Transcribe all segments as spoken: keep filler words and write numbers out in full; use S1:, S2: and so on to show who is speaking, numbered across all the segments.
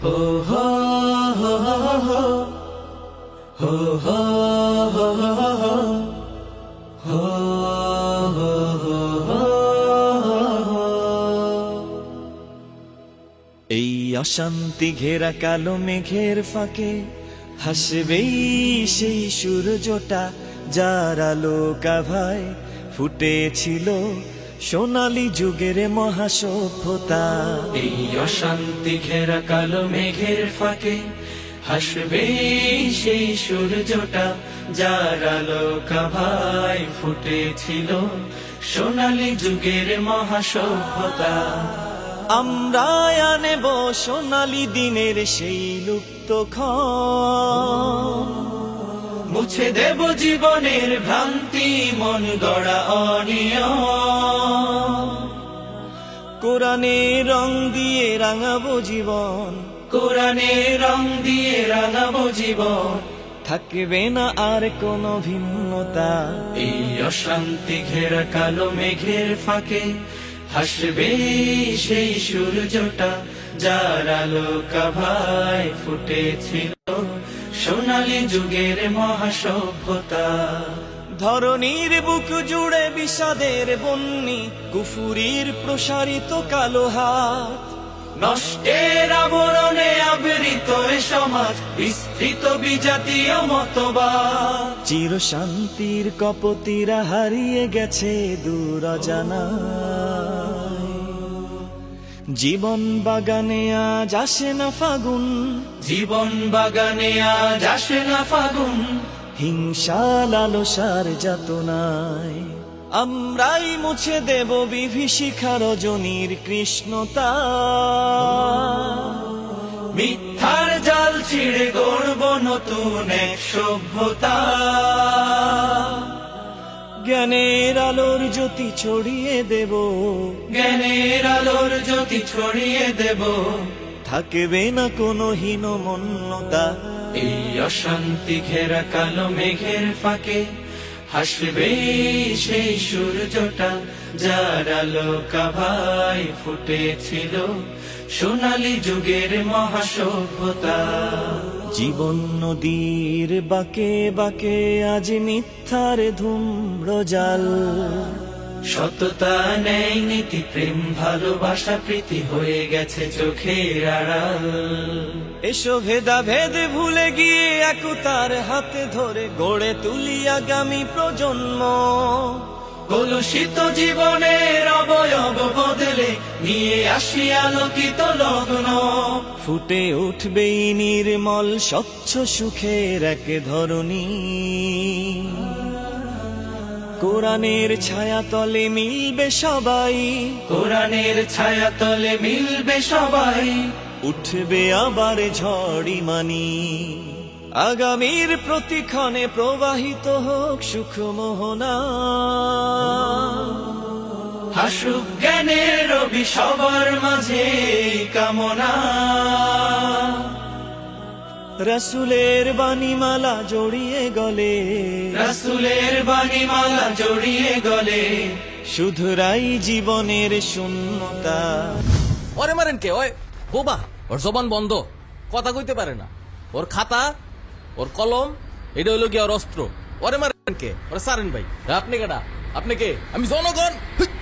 S1: হো হো হো হো হো হো হো হো হো। এই অশান্তি ঘেরা কালো মেঘের ফাঁকে হাসবেই সেই সূর্যটা, যার আলো কাভায় ফুটেছিল সোনালী যুগের মহাসভ্যতা। এই অশান্তি ঘেরা কালো মেঘের ফাঁকে হাসবে সেই সূর্যটা, যার আলো কাভায় ফুটেছিল সোনালী যুগের মহাসভ্যতা। আমরা আনেব সোনালী দিনের সেই লুপ্ত ক্ষণ, মুছে দেব জীবনের ভ্রান্তি, মন গড়া অনিয়ম। কোরআনের রং দিয়ে রাঙাবো জীবন, কোরআনের রং দিয়ে রাঙাবো জীবন, থাকবে না আর কোনো ভিন্নতা। এই অশান্তি ঘেরা কালো মেঘের ফাঁকে হাসবে সেই সূর্যটা, যার আলো কাভায় ফুটেছিল সোনালী যুগের মহাসভ্যতা। ধরণীর বুক জুড়ে বিষাদের বন্যি, কুফুরির প্রসারিত কালো হাত, নষ্টের আবরণে আবৃত এ সমাজ, বিস্তৃত বিজাতীয় মতবাদ। চির শান্তির কপতিরা হারিয়ে গেছে দূর অজানায়। জীবন বাগানে আজ আসে না ফাগুন, জীবন বাগানে আজ আসে না ফাগুন, হিংসা লালসার যাতনায়। আমরাই মুছে দেব বিভীষিকা রজনীর কৃষ্ণতা, মিথ্যার জাল ছিঁড়ে গড়ব নতুন এক সভ্যতা। জ্ঞানের আলোর জ্যোতি ছড়িয়ে দেব, জ্ঞানের আলোর জ্যোতি ছড়িয়ে দেব, থাকবে না কোনো হীনমন্যতা। এই অশান্তি ঘেরা কালো মেঘের ফাঁকে হাসবে সেই সূর্যটা, যার আলো কাভায় ফুটেছিল সোনালী যুগের মহাসভ্যতা। জীবন নদীর বাঁকে বাঁকে আজ মিথ্যার ধূম্র জাল, সততা নেই নীতি প্রেম ভালোবাসা প্রীতি হয়ে গেছে চোখের আড়াল। এসো ভেদা ভেদ ভুলে গিয়ে একতার হাতে ধরে গড়ে তুলি আগামী প্রজন্ম। কলুষিত জীবনের অবয়ব বদলে নিয়ে আসি আলোকিত লগ্ন, ফুটে উঠবে নির্মল স্বচ্ছ সুখের এক ধরনী। কোরআনের ছায়া তলে মিলবে সবাই, কোরআনের ছায়া তলে মিলবে সবাই, উঠবে আবার ঝড়ি মানি। আগামীর প্রতিক্ষণে প্রবাহিত হোক সুখ মোহনা, হাসুক জ্ঞানের রবি সবার মাঝে কামনা। রাসূলের বাণীমালা জড়িয়ে গলে, রাসূলের বাণীমালা জড়িয়ে গলে, শুধরাই জীবনের শূন্যতা।
S2: ওরে মারেন কে? ওই বোবা, ওর জবান বন্ধ, কথা কইতে পারে না। ওর খাতা, ওর কলম, এটা হইলো গিয়ে ওর অস্ত্র। ওরে মারেন কে? ওরে সারেন ভাই। আপনি কেডা? আপনি কে? আমি জনগণ।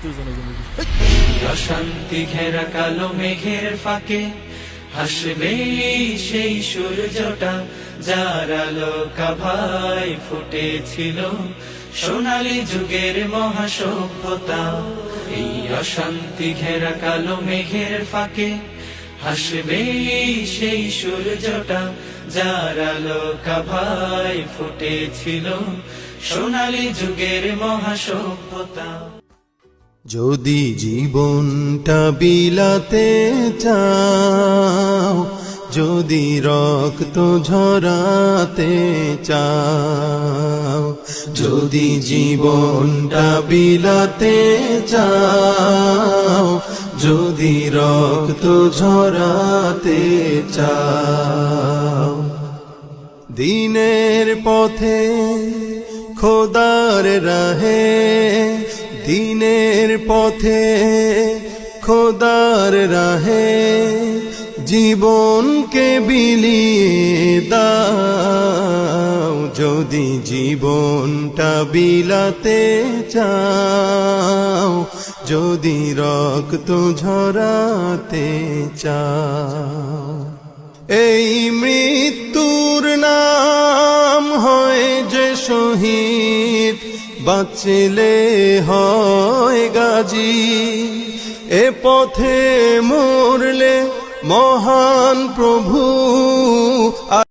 S1: অশান্তি ঘেরা কালো মেঘের ফাঁকে হাসবে সেই সূর্যটা, যার আলো কাভায় ফুটেছিল সোনালী যুগের মহাসভ্যতা। এই অশান্তি ঘেরা কালো মেঘের ফাঁকে হাসবে সেই সূর্যটা, যার আলো কাভায় ফুটেছিল সোনালী যুগের মহাসভ্যতা।
S3: যদি জীবনটা বিলাতে চাও, যদি রক্ত ঝরাতে চাও, যদি জীবনটা বিলাতে চাও, যদি রক্ত ঝরাতে চাও, দিনের পথে খোদার রাহে, দিনের পথে খোদার রাহে জীবনকে বিলিয়ে দাও, যদি জীবনটা বিলাতে চাও, যদি রক্ত ঝরাতে চাও। এই মৃত্যুর নাম হয় যে শহীদ, বাঁচলে হয় গাজী। এ পথে মরলে মহান প্রভু